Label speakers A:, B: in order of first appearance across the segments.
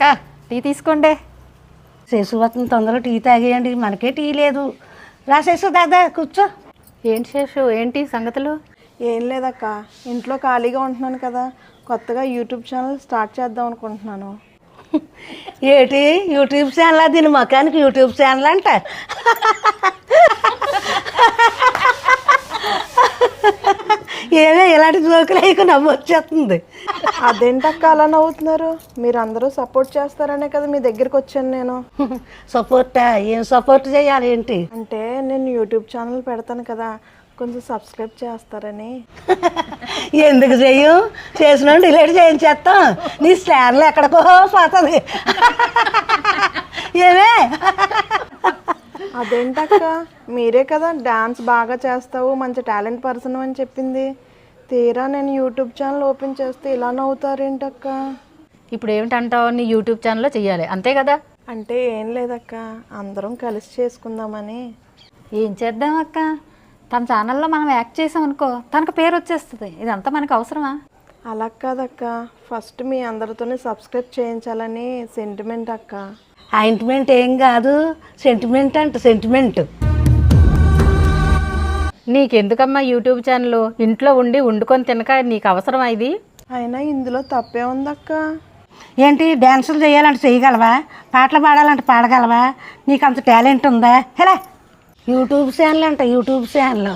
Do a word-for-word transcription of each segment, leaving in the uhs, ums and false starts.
A: అక్క టీ తీసుకోండి.
B: శేషువతం తొందరగా టీ తాగేయండి, మనకే టీ లేదు. రా శేషు, దాదా కూర్చో.
A: ఏంటి శేషు, ఏంటి సంగతులు?
C: ఏం లేదక్క, ఇంట్లో ఖాళీగా ఉంటున్నాను కదా, కొత్తగా యూట్యూబ్ ఛానల్ స్టార్ట్ చేద్దాం అనుకుంటున్నాను.
B: ఏటి యూట్యూబ్ ఛానల్? దీని మొఖానికి యూట్యూబ్ ఛానల్ అంట. ఏమే ఇలాంటి జోకులు అయ్యి నవ్వు వచ్చేస్తుంది.
C: అదేంటక్క అలా నవ్వుతున్నారు? మీరు అందరూ సపోర్ట్ చేస్తారనే కదా మీ దగ్గరికి వచ్చాను నేను.
B: సపోర్టా? ఏం సపోర్ట్ చేయాలి ఏంటి?
C: అంటే నేను యూట్యూబ్ ఛానల్ పెడతాను కదా, కొంచెం సబ్స్క్రైబ్ చేస్తారని.
B: ఎందుకు చెయ్యం? చేసిన డిలీట్ చేయించేస్తాం. నీ ఛానల్ ఎక్కడికో పోతుంది. ఏమే
C: అదేంటక్క, మీరే కదా డాన్స్ బాగా చేస్తావు, మంచి టాలెంట్ పర్సన్ అని చెప్పింది. తీరా నేను యూట్యూబ్ ఛానల్ ఓపెన్ చేస్తే ఇలా నవ్వుతారేంటక్క?
A: ఇప్పుడు ఏమిటంటావు? నీ యూట్యూబ్ ఛానల్లో చెయ్యాలి అంతే కదా?
C: అంటే ఏం లేదక్క, అందరం కలిసి చేసుకుందామని.
A: ఏం చేద్దాం అక్క, తన ఛానల్లో మనం యాక్ట్ చేసాం అనుకో, తనకు పేరు వచ్చేస్తుంది. ఇదంతా మనకు అవసరమా?
C: అలా కాదక్క, ఫస్ట్ మీ అందరితోనే సబ్స్క్రైబ్ చేయించాలని సెంటిమెంట్ అక్క.
B: ఆయింట్మెంట్ ఏం కాదు, సెంటిమెంట్ అంట, సెంటిమెంట్.
A: నీకెందుకమ్మా YouTube channel? ఇంట్లో ఉండి వండుకొని తినక నీకు అవసరమా ఇది?
C: అయినా ఇందులో తప్పే ఉందక్క.
B: ఏంటి, డ్యాన్సులు చేయాలంటే చేయగలవా? పాటలు పాడాలంటే పాడగలవా? నీకు అంత టాలెంట్ ఉందా? హలో, యూట్యూబ్ ఛానల్ అంట, యూట్యూబ్ ఛానల్.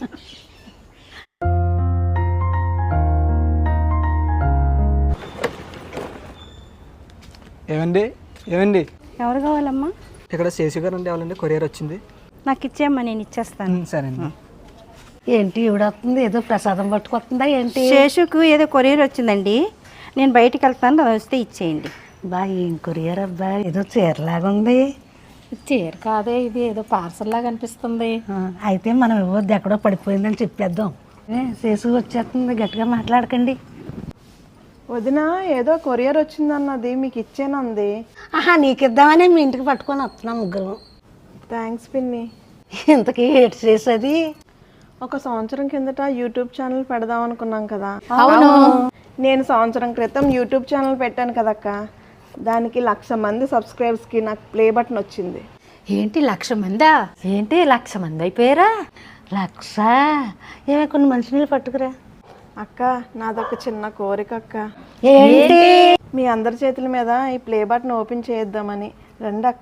D: ఏమండి ఏమండి
E: ఎవరు కావాలమ్మా?
D: ఇక్కడ శేషు గారు అంటే ఎవరండి? కొరియర్ వచ్చింది,
E: నాకు ఇచ్చేయమ్మా, నేను ఇచ్చేస్తాను.
D: సరే అండి.
B: ఏంటి ఈవిడొస్తుంది, ఏదో ప్రసాదం పట్టుకొస్తుందా ఏంటి?
E: శేషుకు ఏదో కొరియర్ వచ్చిందండి, నేను బయటికి వెళ్తాను, అది వస్తే ఇచ్చేయండి.
B: బా ఏం కొరియర్ అబ్బా, ఏదో చీరలాగా ఉంది.
A: చీర కాదే, ఇది ఏదో పార్సల్ లాగా అనిపిస్తుంది.
B: ఆ, అయితే మనం ఇవ్వద్దు, ఎక్కడో పడిపోయిందని చెప్పేద్దాం. ఏ, శేషు వచ్చేస్తుంది, గట్టిగా మాట్లాడకండి.
C: వదిన ఏదో కొరియర్ వచ్చిందన్నది, మీకు ఇచ్చేనంది.
B: ఆహా, నీకు ఇద్దామని మీ ఇంటికి పట్టుకొని వస్తున్నాం ముగ్గురు.
C: థ్యాంక్స్ పిన్ని.
B: ఇంతకీ ఏటి చేసేది?
C: ఒక సంవత్సరం కిందట యూట్యూబ్ ఛానల్ పెడదాం అనుకున్నాం కదా.
A: అవును,
C: నేను సంవత్సరం క్రితం యూట్యూబ్ ఛానల్ పెట్టాను కదక్క, దానికి లక్ష మంది సబ్స్క్రైబర్స్కి నాకు ప్లే బటన్ వచ్చింది.
A: ఏంటి లక్ష మందా? ఏంటి లక్ష మంది అయిపోయారా?
B: లక్ష? ఏమే కొన్ని మంచినీళ్ళు పట్టుకురా.
C: అక్క, నాదొక చిన్న కోరిక అక్క.
B: ఏంటి?
C: మీ అందరి చేతుల మీద ఈ ప్లే బటన్ ఓపెన్ చేద్దామని. రండి అక్క,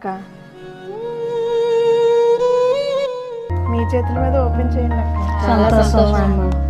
C: మీ చేతుల మీద ఓపెన్ చేయండి అక్క.
B: సంతోషం.